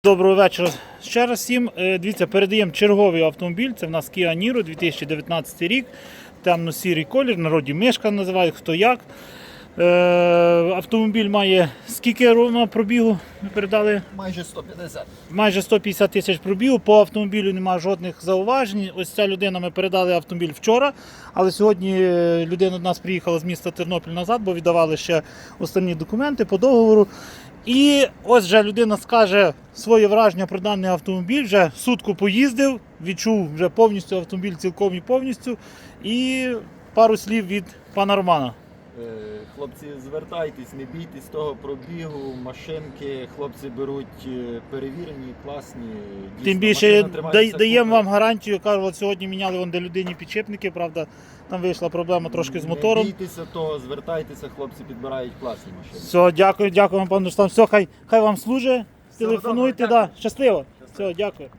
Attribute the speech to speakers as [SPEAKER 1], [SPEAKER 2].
[SPEAKER 1] Доброго вечора ще раз всім. Дивіться, передаємо черговий автомобіль. Це в нас Kia Niro 2019 рік. Темно-сірий колір, в народі мишка називають, хто як. Автомобіль має скільки ровно пробігу? Ми передали?
[SPEAKER 2] Майже 150.
[SPEAKER 1] Майже 150 тисяч пробігу. По автомобілю немає жодних зауважень. Ось ця людина, ми передали автомобіль вчора, але сьогодні людина до нас приїхала з міста Тернопіль назад, бо віддавали ще останні документи по договору. І ось вже людина скаже своє враження про даний автомобіль, вже сутку поїздив, відчув вже повністю автомобіль цілком і повністю. І пару слів від пана Романа.
[SPEAKER 2] Хлопці, звертайтесь, не бійтесь того пробігу, машинки, хлопці беруть перевірені, класні. Дійсно,
[SPEAKER 1] Тим більше
[SPEAKER 2] машина тримається
[SPEAKER 1] даємо
[SPEAKER 2] купи.
[SPEAKER 1] вам гарантію, кажу, от сьогодні міняли вон де людині підшипники, правда, там вийшла проблема трошки з мотором.
[SPEAKER 2] Не бійтеся того, звертайтеся, хлопці підбирають класні машини.
[SPEAKER 1] Все, дякую вам, пане Руслан. Все, хай вам служить, телефонуйте,
[SPEAKER 2] добре,
[SPEAKER 1] щасливо. Все, дякую.